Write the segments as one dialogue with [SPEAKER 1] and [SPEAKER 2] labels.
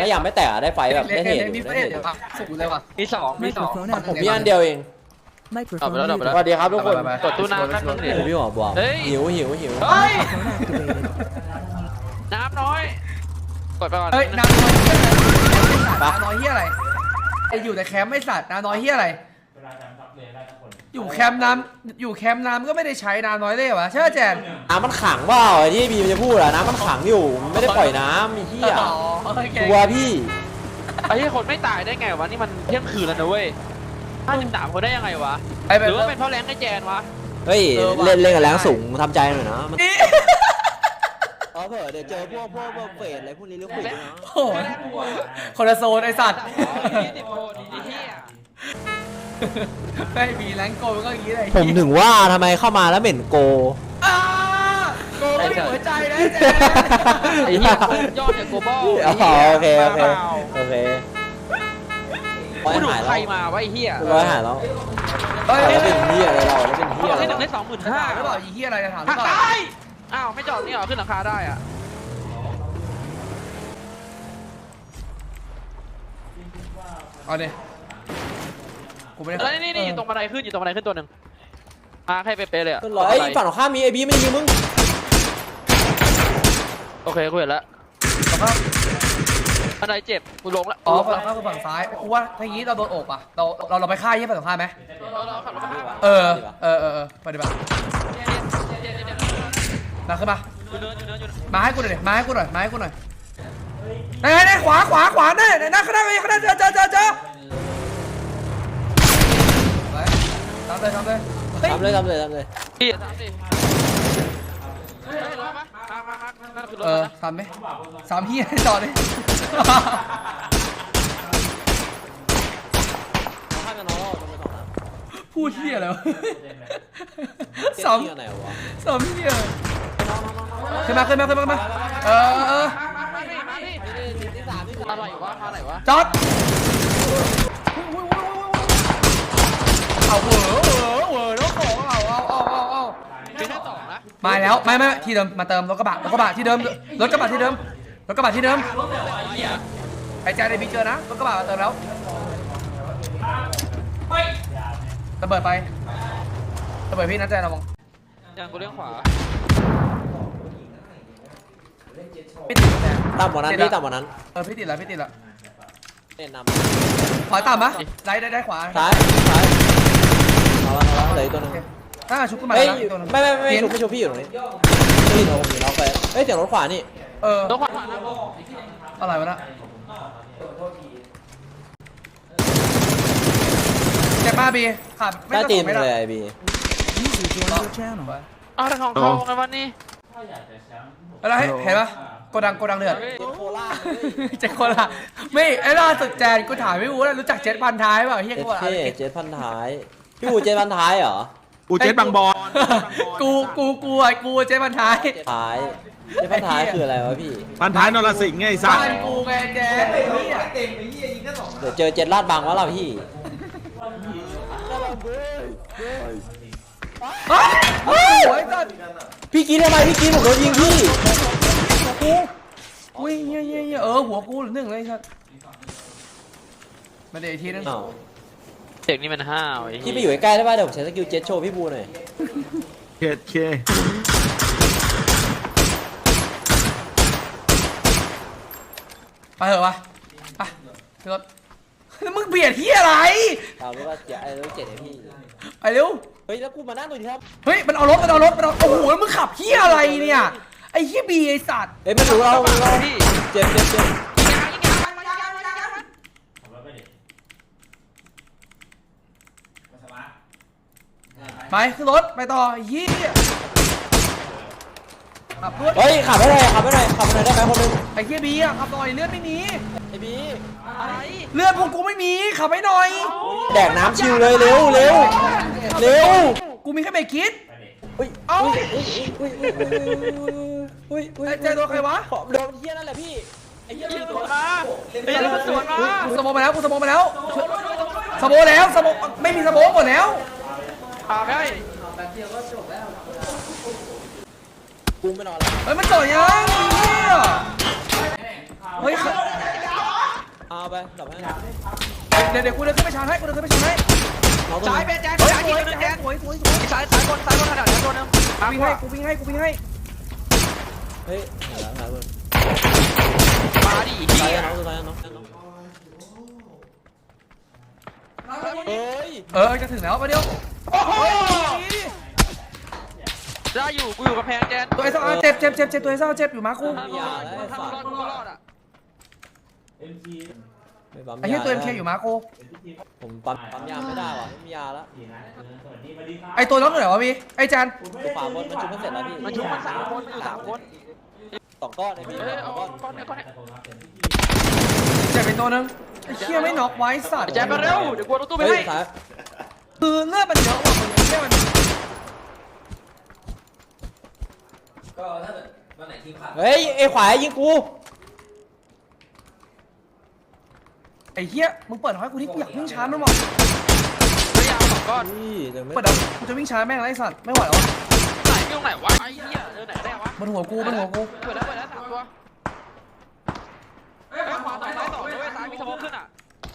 [SPEAKER 1] ยังไม่แตกได้ไฟแบบได้เห็น
[SPEAKER 2] มีเฟสเดี๋ยวครับสูงเลยว่ะ
[SPEAKER 3] มีสอง
[SPEAKER 1] ผมมีอันเดียวเองสวัสดีครับทุกคน
[SPEAKER 3] กดตู้น้ำนั่นนึงดิ
[SPEAKER 1] พี่หมอบอกหิว
[SPEAKER 3] เฮ้ยน้ำน้อยกดไปก่อน
[SPEAKER 2] เฮ้ยน้ำน้อยน้ำน้อยเฮียอะไรไออยู่แต่แคมป์ไม่สัตว์น้ำน้อยเฮียอะไรอยู่แคมป์น้ำก็ไม่ได้ใช้น้ำน้อยเลยวะใช่ไหมแจน
[SPEAKER 1] น้ำมันขังว่าไอ้ที่บีมันจะพูดอะน้ำมันขังอยู่ไม่ได้ปล่อยน้ำมีเหี้ยตัวพี่
[SPEAKER 3] ไอ้ที่คนไม่ตายได้ไงวะนี่มันเที่ยงคืนแล้วนะเว้ย53คนได้ยังไงวะหรือว่าเป็นเพราะแรงไอ้แจนวะ
[SPEAKER 1] เฮ้ยเล่นกับแรงสูงทำใจหน่อยนะเผื่อเดี๋ยวเจอพวกเฟสอะไรพวกนี้หรือเปล่า
[SPEAKER 2] โอ้คนละโซนไอสัตว์ไม่มีแรงโกมันก็อย่างนี้เลย
[SPEAKER 1] ผมถึงว่าทำไมเข้ามาแล้วเหม็นโก
[SPEAKER 2] โกไม่มีหัวใจนะแจน
[SPEAKER 3] ไอ้เหี้ยยอดจากโกบอล
[SPEAKER 1] โอเค
[SPEAKER 3] กูดูใครมาวะไอ้เหี้ย
[SPEAKER 1] ร้อยหายแล้วแล้วเป็นเหี้ยอะไรเราแล้วเป็นเหี้ย
[SPEAKER 3] ให้หนึ่งได้25,000
[SPEAKER 2] แล้วบอกไอ้เหี้ยอะไรจะถาม
[SPEAKER 3] ก่อนอ้าวไม่จอดนี่หรอขึ้นหลังคาได้อ่ะ
[SPEAKER 2] เอาดิกูไม่ได้
[SPEAKER 3] แล้วนี่อยู่ตรงบันไดขึ้นตัวหนึ่งใครเป๊ะเลยอ่ะ
[SPEAKER 1] ไอ้ฝั่งของข้ามีไอ้บีไม่ยิงมึง
[SPEAKER 3] โอเคกูเห็นแล้วบันไดเจ็บกูลงแล้ว
[SPEAKER 2] ฝั่งซ้ายกูว่าถ้างี้เราโดนโอบอ่ะเราไปฆ่ายี่ฝั่งข้าไหมปฏิบัติมาขึ้นมาให้กูหน่อยมาให้กูหน่อยไหนขวาเนี่ยข้างหน้าเจอทำเลย
[SPEAKER 3] พี่ทำ
[SPEAKER 2] ไหม3พี่จอดเลยพูดเที่ยแล้ว3พี่ขึ้นมา
[SPEAKER 3] อะไรวะ
[SPEAKER 2] จอดเอาแล้วของเอา
[SPEAKER 3] มีแค่2นะ
[SPEAKER 2] มาแล้วไม่ที่เดิมมาเติมรถกระบะที่เดิมไอ้แจ๊ดได้บีเจอนะรถกระบะมาเติมแล้วระเบิดพี่นะแจ๊ดระวัง
[SPEAKER 3] ยังกูเลี้ยงขวา
[SPEAKER 2] พี่ติดแจ๊ด
[SPEAKER 1] ต่ำกว่านั้น
[SPEAKER 2] พี่ติดแล้ว
[SPEAKER 1] เล่นนำ
[SPEAKER 2] ขวาต่ำปะได้ขวา
[SPEAKER 1] ซ้ายเอาเลยตัวนึง
[SPEAKER 2] ถ้าชุบขึ้นมา
[SPEAKER 1] ไม่ชุบพี่อยู่ตรงนี้พี่โดนมีล็อกไปเสียงรถขวานี่
[SPEAKER 3] รถขวา
[SPEAKER 2] อะไรวะนะแจ็คบ้าบีขาด
[SPEAKER 1] ไม่ตีนเลยไอบี
[SPEAKER 3] แต่ของเขาไงวันนี้
[SPEAKER 2] อะไรเห็นปะโกดังเดือดเจ็ดโคลาไม่ไอ้ล่าสุดแจนกูถามไม่รู้แล้วรู้จักเจ็ดพันท้ายเปล่าเฮียกูอะไร
[SPEAKER 1] เจ็ดพันท้ายพี่อูเจ็ดพันท้ายเหรอ
[SPEAKER 4] กูเจ็ดบางบอล
[SPEAKER 2] กูเจ็ดพันท้าย
[SPEAKER 1] เจ็ดพันท้ายคืออะไรวะพี่
[SPEAKER 4] พันท้ายนรสิงห์ไงไอ้สั
[SPEAKER 2] สกูไงแจน
[SPEAKER 1] เดี๋ยวเจอเจ็ดลาดบางวะเราพี่พี่กินทำไมพี่กินผมโดนยิงพี่
[SPEAKER 2] อุ้ยเงี้ยหัวกูหนึ่งเลยครับมาเดี๋ยวอีกทีนึง
[SPEAKER 3] เด็กนี่มันห้าว
[SPEAKER 1] พี่ไปอยู่ใกล้ได้ป่ะเดี๋ยวผมใช้สกิลเจ็ตโชว์พี่บูหน่อย
[SPEAKER 4] เค
[SPEAKER 2] ไปเถอะวะไปรถแล้วมึงเบียดที่อะไร
[SPEAKER 1] เรารู้ว่าเจ็ดไอพี่
[SPEAKER 2] ไปเร็ว
[SPEAKER 1] เฮ้ยแล้วกูมานั่งตรงนี้ครับ
[SPEAKER 2] เฮ้ยมันเอารถโอ้โหแล้วมึงขับที่อะไรเนี่ยไอ้ที่บีไอ้สัตว์
[SPEAKER 1] เฮ้ยไม่รู้เราพี่เจ็บ
[SPEAKER 2] ไปขึ้นรถไปต่อยี่
[SPEAKER 1] เฮ้ยขับไปหน่อยได้ไหมคนนึง
[SPEAKER 2] ไอ้เฮียบีอะขับหน่อยเลือดไม่มี
[SPEAKER 1] ไอ้บี
[SPEAKER 2] เลือดพวกกูไม่มีขับไปหน่อย
[SPEAKER 1] แดกน้ำชิวเลยเร็ว
[SPEAKER 2] กูมีแค่เบรกคิดเอ้าใจโดนใครวะ
[SPEAKER 1] โดนเฮียนั่นแหละพี่ไอ้เฮียสวนมา
[SPEAKER 2] กูสโมไปแล้วไม่มีสโมหมดแล้ว
[SPEAKER 3] ได้
[SPEAKER 1] กูไม่นอนแล้ว
[SPEAKER 2] เฮ้ยมันต่อยยังเฮ้ย
[SPEAKER 1] ไปดับให้
[SPEAKER 2] เดี๋ยวกูเดินขึ้นไปชาร์จให้กูเดินขึ้นไปชาร์จให้
[SPEAKER 1] น้องตัว
[SPEAKER 3] ซ้าย
[SPEAKER 1] นี้
[SPEAKER 3] เป็นแจ๊ค
[SPEAKER 2] เฮ้ย
[SPEAKER 3] ซ้าย
[SPEAKER 2] ส
[SPEAKER 3] ยิง
[SPEAKER 2] วย
[SPEAKER 3] ตัวนึง
[SPEAKER 2] แจ๊
[SPEAKER 3] แจ๊
[SPEAKER 2] ค
[SPEAKER 3] ค
[SPEAKER 2] สวยขนาด
[SPEAKER 3] ซ้ายตัวนึง
[SPEAKER 2] กูวิ่งให้กูวิ่งให้
[SPEAKER 1] เฮ้ยเห็นแล้วครับ
[SPEAKER 3] มาดิ
[SPEAKER 1] ซ้าย
[SPEAKER 3] เฮีย
[SPEAKER 1] น้องซ้ายน้องเฮ้ย
[SPEAKER 2] จะถึงแล้วมาเดียว
[SPEAKER 3] ได้อยู่กูอยู่กับแพงแจน
[SPEAKER 2] ตัวไอ้ซ่าเจ็บตัวไอ้ซ่าเจ็บอยู่มาคู
[SPEAKER 3] ถ้ารอดกูรอดอ่ะ
[SPEAKER 2] ไอ้เหี้ยตัวเอ็มเคอยู่มาคู
[SPEAKER 1] ผมปั๊มยาไม่ได้ว่ะไม่มียาแล้ว
[SPEAKER 2] ไอ้ตัวน้องเหนือวะพี่ไอ้จัน
[SPEAKER 1] ตัวป่าบนมันชุบมันเสร็จแล้วพี่
[SPEAKER 3] มันชุบมัน3 คนมันอยู่3 คน
[SPEAKER 1] 2 ก้อนเลยพี่
[SPEAKER 3] เฮ้ย
[SPEAKER 1] 2
[SPEAKER 3] เอา
[SPEAKER 1] ก้อน
[SPEAKER 3] ก้อนเนี่ย
[SPEAKER 2] เจ็บไปตัวนึงไอ้เหี้ยไม่น็อกไว้สัตว์
[SPEAKER 3] แจนมาเร็วเดี๋ยวกูเอาตู้ไป
[SPEAKER 1] เฮ้ย
[SPEAKER 3] ให้
[SPEAKER 1] ซ้าย
[SPEAKER 2] คือเลือดมันเยอะกว่ามึงไอ้เหี้ยมัน
[SPEAKER 1] เฮ้ยไอ้ขวายิงกู
[SPEAKER 2] ไอ้เหี้ยมึงเปิดให้กูที่กูอยากวิ่งชาร์จมันหมด
[SPEAKER 3] พยายาม2 ก้อน
[SPEAKER 1] นี่เดี๋ยวไม่
[SPEAKER 2] เปิดเดี๋ยวกูจะวิ่งชาร์จแม่งไรสัตว์ไม่ไหวแล้ว
[SPEAKER 3] ไหนมีตรงไหนวะไอ้เหี้ยไหนได้วะ
[SPEAKER 2] บนหัวกู
[SPEAKER 3] เปิดแล้ว3 ตัวเฮ้ยขวาต่อซ้ายต่อด้วยซ้ายมีสโมกขึ้นอ่ะ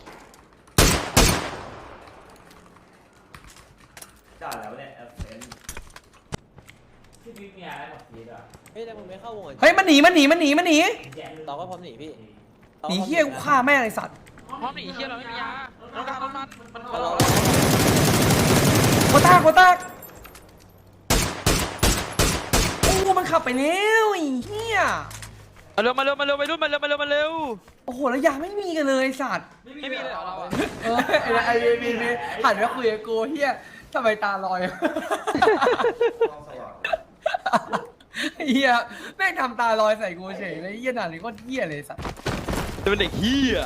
[SPEAKER 1] เฮ้ยแต่มึงไม่เข้าวง
[SPEAKER 2] เฮ้ยมันหนี
[SPEAKER 1] ตองก็พร้อมหนีพี่
[SPEAKER 2] หนีเหี้ยกูฆ่าแม่งไอ้สัตว์
[SPEAKER 3] พร้อมหนีเฮียเราไม่มียาเราการรถมัน
[SPEAKER 1] รอ
[SPEAKER 2] โคต้าโอ้มันขับไปแล้วไอ้เหี้ย
[SPEAKER 3] มาเร็วไปรุ่นมาเร็ว
[SPEAKER 2] โอ้โหแล้วยาไม่มีกันเลยไอ้สัตว์
[SPEAKER 3] ไม่มีเลยเหรอเราอ่ะ
[SPEAKER 2] ไอ้มีหันมาคุยกับกูเฮียทำไมตาลอยเฮียแม่งทำตาลอยใส่กูเฉยเลยเฮียหนาเลยก็เฮียเลยสัตว์
[SPEAKER 3] จะเป็นเด็กเฮีย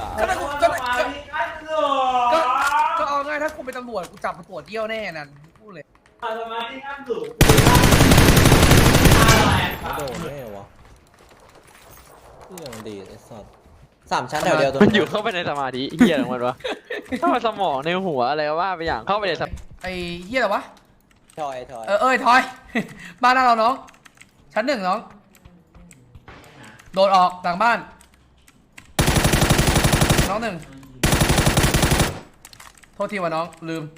[SPEAKER 2] ก็เอาง่ายถ้ากูเป็นตำรวจกูจับมาตรวจเยี่ยวแน่นั่นพูดเลย
[SPEAKER 1] ไม่โดนแน่วะเรื่องดีไอ้สัส3 ชั้นแถวเดียวตัว
[SPEAKER 3] มันอยู่เข้าไปในสมาธิเฮียของมันวะเข้ามาสมองในหัวอะไรว่าไปอย่างเข้าไปในส
[SPEAKER 2] ไอ้เฮียอะไรวะ
[SPEAKER 1] ทอย
[SPEAKER 2] ทอยบ้านหน้าเราน้องชั้น 1น้องโดดออกหลังบ้านน้อง 1โทษทีว่ะน้องลืม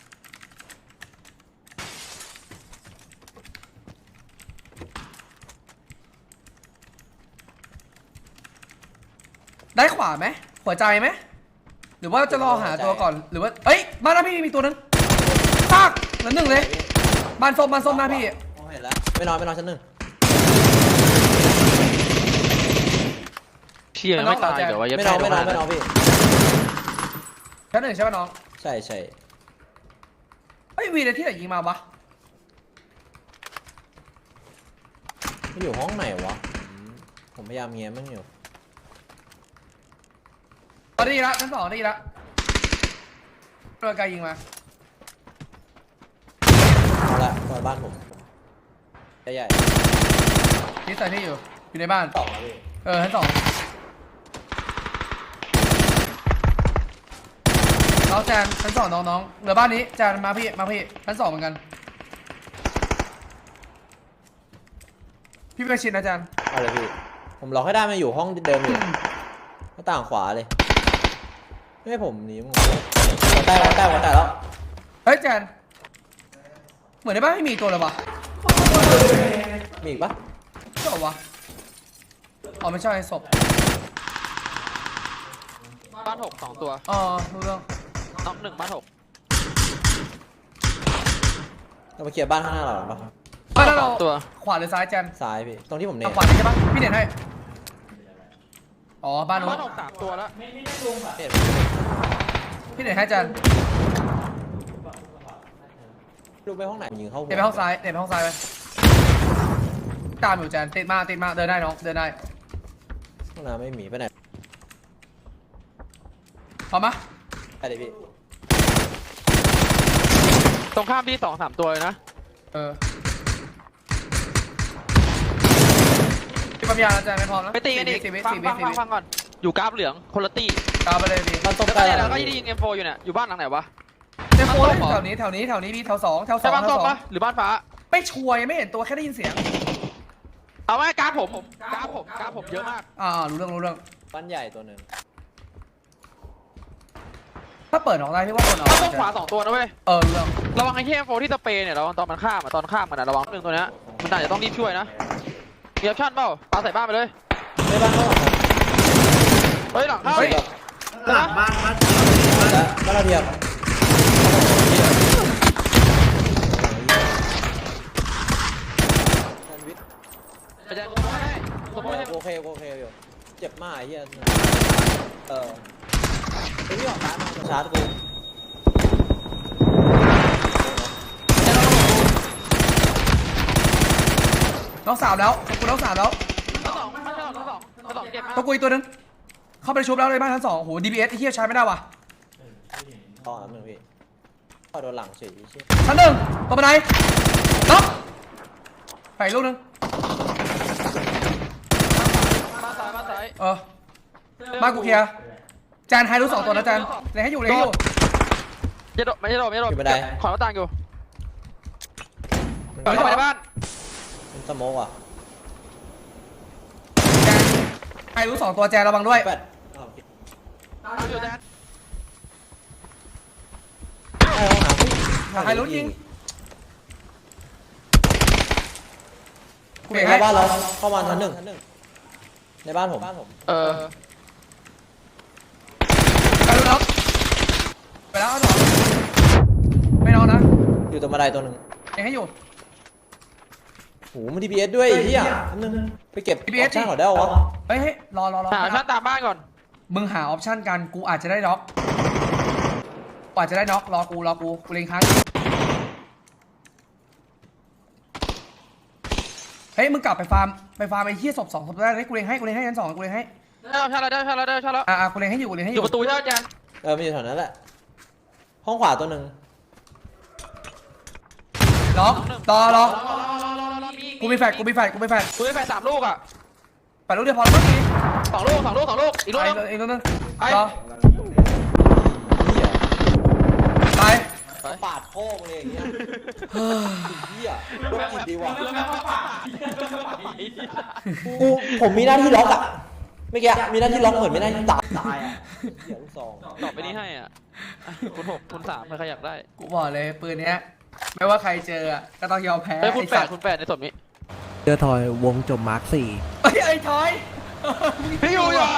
[SPEAKER 2] ได้ขวาไหมหัวใจไหมหรือว่าจะรอหาตัวก่อนหรือว่าเอ้ยบ้านหน้าพี่มีตัวนึงซากเหลือ 1เลยบ้านส้มหน้าพี่
[SPEAKER 1] เห็นแล้วไม่นอนชั้น 1
[SPEAKER 3] เชี่ยไม่ตายเดี๋ยวว่า
[SPEAKER 1] ไม่นอนพี่
[SPEAKER 2] ชั้น 1ใช่ป่ะน้อง
[SPEAKER 1] ใช่
[SPEAKER 2] เฮ้ยวีเลยที่ไหนยิงมาปะ
[SPEAKER 1] มันอยู่ห้องไหนวะผมพยายามเงี้ยมันอยู่
[SPEAKER 2] ได้ยินละชั้น 2ได้ยินละโดนไกลยิงมา
[SPEAKER 1] เอาละเปิดบ้านผมใหญ่
[SPEAKER 2] ที่ใส่ที่อยู่ในบ้าน
[SPEAKER 1] 2แล้วพี่
[SPEAKER 2] ชั้น 2น้องแจนชั้น 2น้องเหลือบ้านนี้แจนมาพี่ชั้น 2เหมือนกันพี่ไปชินนะแจน
[SPEAKER 1] เอาเลยพี่ผมล็อกให้ได้มาอยู่ห้องเดิมอยู่หน้าต่างขวาเลยไม่ให้ผมหนีมึงหัวแตกแล้ว
[SPEAKER 2] เฮ้ยแจนเหมือนในบ้านไม่มีตัวเลยวะ
[SPEAKER 1] มีอีกปะ
[SPEAKER 2] ใช่ปะวะอ๋อไม่ใช่ศพ
[SPEAKER 3] บ้าน6 2 ตัว
[SPEAKER 2] รู้เรื่อง
[SPEAKER 3] น้อง1บ้าน6
[SPEAKER 1] เรามาเคลียร์บ้านข้างหน้าเราหรอปะ
[SPEAKER 2] บ้านเรา
[SPEAKER 3] ตัว
[SPEAKER 2] ขวาหรือซ้ายแจน
[SPEAKER 1] ซ้ายพี่ตรงที่ผมเน็
[SPEAKER 2] เอา
[SPEAKER 1] ต
[SPEAKER 2] ขวาใช่ปะพี่เน็ตให้อ๋อบ้านนู้น
[SPEAKER 3] บ้าน6 3 ตัวแล้ว
[SPEAKER 2] พี่เน็ตให้แจน
[SPEAKER 1] ลูกไปห้องไหนยิงเข้าหัว
[SPEAKER 2] เน็ตไปห้องซ้ายไปตามอยู่แจนติดมาเดินได้น้องเดินได้
[SPEAKER 1] ห้องน้ำไม่มีไปไหน
[SPEAKER 2] พร้อมปะ
[SPEAKER 1] ไปเลยพี่
[SPEAKER 3] ตรงข้ามพี่2 3 ตัวเลยนะ
[SPEAKER 2] พี่ปั๊มยาแล้วแจนไม่พร้อมนะ
[SPEAKER 3] ไปตีกันอีก
[SPEAKER 2] 4 วิ
[SPEAKER 3] ฟังก่อนอยู่กราฟเหลืองคนละตี
[SPEAKER 2] ตามไปเลยพี่
[SPEAKER 1] บ้านต้ม
[SPEAKER 3] แล้ว
[SPEAKER 1] ใก
[SPEAKER 3] ก็
[SPEAKER 1] ล้
[SPEAKER 3] เนี่ย
[SPEAKER 1] แล้
[SPEAKER 3] เรา
[SPEAKER 1] ว
[SPEAKER 3] ก็
[SPEAKER 1] พี่
[SPEAKER 3] ยิง M4 อยู่เนี่ยอยู่บ้านหลังไหนวะ
[SPEAKER 2] เต็มโฟ
[SPEAKER 3] บ้านส้มเหรอ
[SPEAKER 2] แถวนี้พี่แถว 2
[SPEAKER 3] ใช่บ้านส้มปะหรือบ้านฟ้า
[SPEAKER 2] ไม่ชัวร์ยังไม่เห็นตัวแค่ได้ยินเสียง
[SPEAKER 3] เอาไว้กราฟผมเยอะมาก
[SPEAKER 2] รู้เรื่อง
[SPEAKER 1] บ้านใหญ่ตัวหนึ่ง
[SPEAKER 2] ถ้าเปิดออกได้พี่ว่าคนเอา
[SPEAKER 3] ต้องขวา2ตัวนะเว้ย
[SPEAKER 2] เรื่อง
[SPEAKER 3] ระวังไอ้เหี้ยโฟที่สเปรย์เนี่ยระวังตอนมันข้ามอะตอนข้ามมันอะระวังหนึ่งตัวเนี้ยมันอาจจะต้องรีบช่วยนะมีออปชั่นเปล่าปาใส่บ้านไปเลย
[SPEAKER 1] ในบ้านเขา
[SPEAKER 3] เฮ้ยหลังเข้า
[SPEAKER 2] เฮ้ย
[SPEAKER 4] หลังบ้าน
[SPEAKER 1] บ้านเราเทียบ
[SPEAKER 3] ไปแจ้งผมให้ผมไม่ให้
[SPEAKER 1] โอเคอยู่เจ็บมากไอ้เหี้ยไอ้พี่ออกซ้ายมาชาร์จกู
[SPEAKER 2] น้องสาวแล้วกูน้องสาวแล้ว
[SPEAKER 3] ทั้งสองเจ็บมาก
[SPEAKER 2] ตัวกูอีกตัวนึงเข้าไปชุบแล้วเลยบ้านชั้น 2โอ้โห DPS ไอ้เหี้ยใช้ไม่ได้ว่ะ
[SPEAKER 1] ต่อหนึ่งพี่พอโดนหลังเฉยเชี่ย
[SPEAKER 2] ชั้น 1ตัวบันไดน็อกไปลูกนึง
[SPEAKER 3] บ้านซ้าย
[SPEAKER 2] บ้านกูเคลียร์จานไฮรู้2ตัวนะจานเลยให้อยู่
[SPEAKER 3] ไม่ใช่โดดขอหน้าต่างอยู่เข้าไปในบ้าน
[SPEAKER 1] มันสโมกอ่ะ
[SPEAKER 2] จานไฮรู้2ตัวแจนระวังด้วย
[SPEAKER 1] แปด
[SPEAKER 3] อยู่แดน
[SPEAKER 2] ไฮรู้ยิงกู
[SPEAKER 1] ใน
[SPEAKER 2] เบรกให้
[SPEAKER 1] บ้านเราเข้ามาชั้น 1ในบ้านผม
[SPEAKER 2] ไฮรู้น็อกไปแล้วเอาหนอไม่นอนนะ
[SPEAKER 1] อยู่ตรงบันไดตัวหนึ่ง
[SPEAKER 2] ยังให้อยู่
[SPEAKER 1] โหมัน DPS ด้วยไอ้เหี้ยนึงไปเก็บออปชั่นเขาได้วะ
[SPEAKER 2] เฮ้ยรอ
[SPEAKER 3] หาชั้นตามบ้านก่อน
[SPEAKER 2] มึงหาออปชั่นกันกูอาจจะได้น็อกรอกูเล็งค้างเฮ้ยมึงกลับไปฟาร์มไอ้เหี้ยศพ2ศพได้เลยกูเล็งให้ชั้น 2กูเล็งให้
[SPEAKER 3] ได้ชั้นแล้ว
[SPEAKER 2] กูเล็งให้อยู่
[SPEAKER 3] อยู่ประตูใช่ไหมแจน
[SPEAKER 1] มันอยู่แถวนั้นแหละห้องขวาตัวหนึ่ง
[SPEAKER 2] ล็อกรอกูมีแฟก
[SPEAKER 3] กูไปแฟน3 ลูกอ่ะ
[SPEAKER 2] ไปลูกเดียวพอแล้วเมื่อกี้
[SPEAKER 3] 2 ลูกอีกลูกนึง
[SPEAKER 2] อีกลูกนึง
[SPEAKER 3] ไอ้
[SPEAKER 2] รอไป
[SPEAKER 1] ปาดโค้งเลยอย่างเงี้ยเหี้ยโรคจิตดีว่ะผมมีหน้าที่ล็อกอ่ะเมื่อกี้มีหน้าที่ล็อกเหมือนไม่ได้ตายอ่ะเหี้ยลูกซอง
[SPEAKER 3] ตอบไปนี้ให้อ่ะคุณ6คุณ3ใครอยากได้
[SPEAKER 2] กูบอกเลยปืนเนี้ยไม่ว่าใครเจอก็ต้องยอมแพ้
[SPEAKER 3] เฮ้ยคุณ8ในสมนี้
[SPEAKER 5] เจอทอยวงจบมาร์ค
[SPEAKER 2] ไอ้ทอย
[SPEAKER 3] พี่อยู่อ่ะ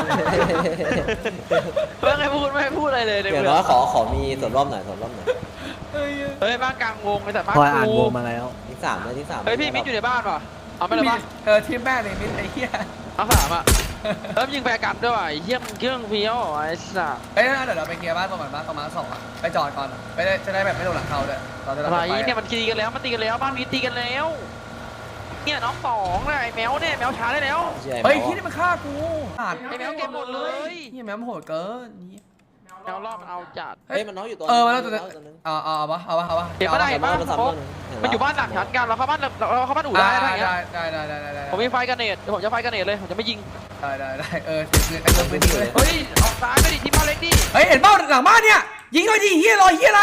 [SPEAKER 3] เพื่อนไม่พูดอะไรเลย
[SPEAKER 1] เดี๋ยวน้อยขอมีส่วนร่วมหน่อย
[SPEAKER 3] เฮ้ยบ้านกลางวงไอ้แต่บ้าน
[SPEAKER 5] 4ทอยอ่านวงมาแล้ว
[SPEAKER 1] ที่สามเลยที่ 3
[SPEAKER 3] เฮ้ยพี่มิดอยู่ในบ้านป่ะเอาไปเลยป่ะ
[SPEAKER 2] ทีมแม่เลยมิดไอ้เหี้ย
[SPEAKER 3] เอา3อ่ะแล้วยิงแฟร์กันด้วยว่ะไอ้เหี้ยมึงเครื่องเฟี้ยวไอ้สัส
[SPEAKER 2] เฮ้ยเดี๋ยวเราไปเคลียร์บ้านประมาณ2อ่ะไปจอดก่อนไปจะได้แบบไม่โดนหลังเขาด้วยตอนจะ
[SPEAKER 3] อะไรเนี่ยมันตีกันแล้วบ้านนี้ตีกันแล้วเนี่ยน้อง2เลยไอ้แมวเนี่ยแมวช้าได้แล้ว
[SPEAKER 2] เฮ้ยที่นี่มันฆ่ากูขาด
[SPEAKER 3] ไอ้แมวเก็บหมดเลย
[SPEAKER 2] นี่แมวมันโหดเกินนี่
[SPEAKER 3] แมวรอบมันเอาจัด
[SPEAKER 1] เฮ้ยมันน้องอยู่ตัว
[SPEAKER 2] มันแล้วตัวนึงเอาวะ
[SPEAKER 3] เก็บไม่ได้เห็นป่ะมันอยู่บ้านหลังชั้นกันเราเข้าบ้านอู่ได้อะไรเงี้ย
[SPEAKER 2] ได้
[SPEAKER 3] ผมมีไฟกันเนตผมจะไฟกันเนตเลยผมจะไม่ยิง
[SPEAKER 2] ได้ปืนเลย
[SPEAKER 3] เฮ้ยออกซ้ายไปดิทีมบ้านเล็กดิ
[SPEAKER 2] เฮ้ยเห็นเป้าหลังบ้านเนี่ยยิงหน่อยดิเฮียรอเฮียอะไร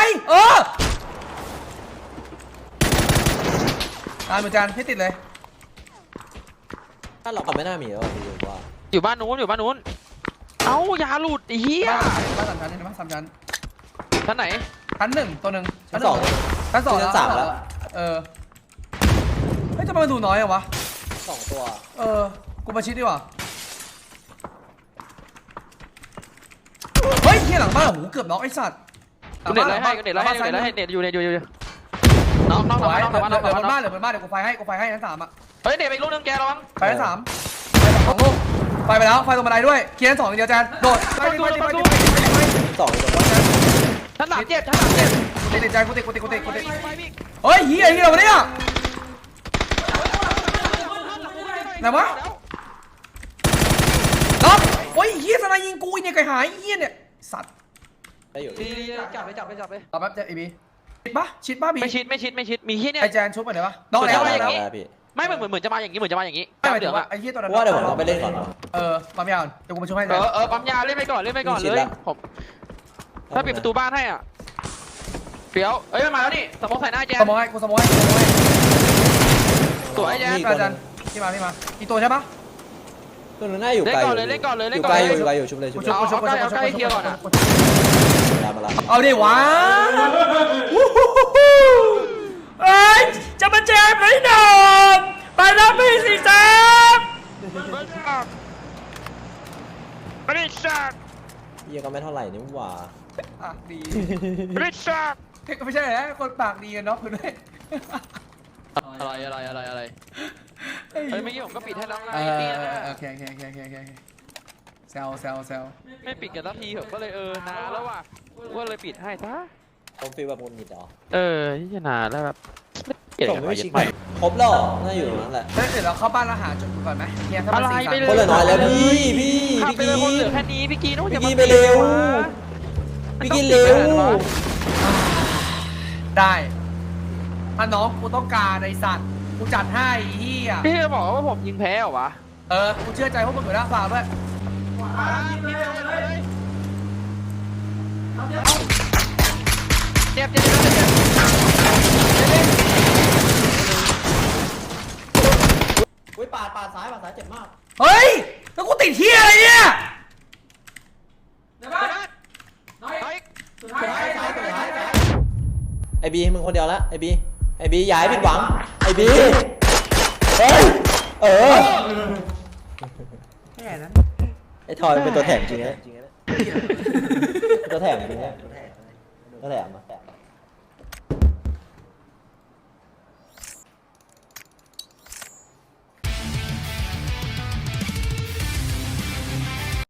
[SPEAKER 2] ตามเหมือนกันให้ติดเลย
[SPEAKER 1] ถ้าเราไม่น่ามีแล้วพี่ว่า
[SPEAKER 3] อยู่บ้านนู้นเอ้ายาหลุดไอ้เหี้ย
[SPEAKER 2] บ้าน3 ชั้นบ้าน3 ชั้น
[SPEAKER 3] ชั้นไหน
[SPEAKER 2] ชั้น 1ตัวหนึ่ง
[SPEAKER 1] ชั้น 2
[SPEAKER 2] ชั้น 2
[SPEAKER 1] ชั้น 3แล้ว
[SPEAKER 2] เฮ้ยทำไมมันดูน้อยอะวะ
[SPEAKER 1] 2 ตัว
[SPEAKER 2] กูมาชิดดีกว่าเฮ้ยเฮียหลังบ้านโอ้โหเกือบน็อกไอ้สัตว์
[SPEAKER 3] กูเน็ตไล่ให้เน็ตอยู่น้อง
[SPEAKER 2] เหลื
[SPEAKER 3] บ้าน
[SPEAKER 2] อบนบ้านเดี๋ยวกูไฟให้ชั้น 3อ่ะ
[SPEAKER 3] เฮ้ยเน็ตไปอีกลูกนึงแกระวัง
[SPEAKER 2] ไฟชั้น 3ไป2 ลูกไฟไปแล้วไฟตรงบันไดด้วยเคลียร์ชั้น 2เดียวแจนโดดไป
[SPEAKER 1] 2ตัว
[SPEAKER 3] ชั้น3 7
[SPEAKER 2] ติดใจกูติดเฮ้ยเฮียอะไรวะเนี่ยไหนวะน็อกโอ้ยเฮียสไนยิงกูเนี่ยไก่หายเฮียเนี่ยสัตว์
[SPEAKER 1] ได้อยู่
[SPEAKER 3] จับไป
[SPEAKER 2] ต่อแป๊บเจอไอ้บีชิดป่ะบี
[SPEAKER 3] ไม่ชิดมีเหี้ยเนี่ย
[SPEAKER 2] ไอแจนชุบไปไหนวะน็อกแล้ว
[SPEAKER 1] พี่
[SPEAKER 3] ไม่เหมือนจะมาอย่างนี้
[SPEAKER 2] ไม่หมายถึงว่าไอ้เฮียตัวนั้น
[SPEAKER 1] ว่าเดี๋ยวผมไปเล่นก่อน
[SPEAKER 2] ปั๊มยาวเดี๋ยวกูมาช่วยให้
[SPEAKER 3] ปั๊มยาเล่นไปก่อนเลยผมถ้าปิดประตูบ้านให้อ่ะเฟี้ยวเอ้ยมันมาแล้วนี่สมองใส่หน้าแจน
[SPEAKER 2] สมอยกูสมอย
[SPEAKER 3] สวยแจน
[SPEAKER 2] อาจารย์พี่มาอีกตัวใช่ปะ
[SPEAKER 1] ตัวนึงน่าอยู่
[SPEAKER 3] เล่น
[SPEAKER 1] ไกล
[SPEAKER 3] ก่อนเลยเล่นก่อนเลย
[SPEAKER 1] อ
[SPEAKER 3] เล่น
[SPEAKER 1] ยู่
[SPEAKER 3] ก่อน
[SPEAKER 1] ไกล
[SPEAKER 3] เลย
[SPEAKER 1] อยู่ไกลอยู่ชุบเลยชุบเลย
[SPEAKER 3] เอาใกล้เอาใกล้เคลียร์ก่อนอะ
[SPEAKER 1] มาละ
[SPEAKER 2] เอาดิวะเอ้ยจะมาแจมไหนหนอไปแล้วพี่สิแจม
[SPEAKER 3] ไม่ได้ชัก
[SPEAKER 1] เหี้ยก็ไม่เท่าไหร่นี่หว่า
[SPEAKER 2] ปากดี
[SPEAKER 3] ไม่ได้ชัก
[SPEAKER 2] ก็ไม่ใช่นะคนปากดีกันเนาะคุณด้วย
[SPEAKER 3] อะไรเฮ้ยเมื่อกี้ผมก็ปิดให้แล้วไงนี่นะ
[SPEAKER 2] โอเคแซว
[SPEAKER 3] ไม่ปิดกันสักทีผมก็เลยนานแล้วว่ะก็เลยปิดให้ซะ
[SPEAKER 1] ผมฟีลแบบงุนงิดเหรอ
[SPEAKER 3] ที่จะนานแล้วแบบเกลียด
[SPEAKER 1] ส่ง
[SPEAKER 3] กัน
[SPEAKER 1] ไม่
[SPEAKER 3] ไป
[SPEAKER 1] ชิ
[SPEAKER 3] ยึ
[SPEAKER 1] ค
[SPEAKER 3] ดไป
[SPEAKER 1] ครบแล้วน่าอยู่ตรงนั้นแหละ
[SPEAKER 2] เดี๋ยวเราเข้าบ้านแล้วหาจุดก่อนไหมเนี่ยถ้ามัน
[SPEAKER 3] อะไร
[SPEAKER 2] สี่
[SPEAKER 3] ไป
[SPEAKER 2] สาม
[SPEAKER 3] เลย
[SPEAKER 1] คนเหลือน้อยแล้วพี่
[SPEAKER 3] ขับไปเลยคนเหลือแค่นี้พี่กีนู้นอย่ามา
[SPEAKER 1] พี่กีไปเร็ว พี่กินเร็ว
[SPEAKER 2] ได้ถ้าน้องกูต้องการไอสัตว์กูจัดให้เฮีย
[SPEAKER 3] พี่จะบอกว่าผมยิงแพ้เหรอวะ
[SPEAKER 2] กูเชื่อใจพวกมึงอยู่แล้วฝากด้วย
[SPEAKER 3] เจ็บ
[SPEAKER 1] อุ้ยปาดซ้ายเจ็บมาก
[SPEAKER 2] เฮ้ยแล้วกูติดเฮียอะไรเนี่ย
[SPEAKER 1] ไอบีมึงคนเดียวละไอบีอย่าให้ผิดหวังไอบีเฮ้ย
[SPEAKER 2] แค่นั้น
[SPEAKER 1] ไอทอยเป็นตัวแถมจริงนะตัวแถมจริงนะตัวแถม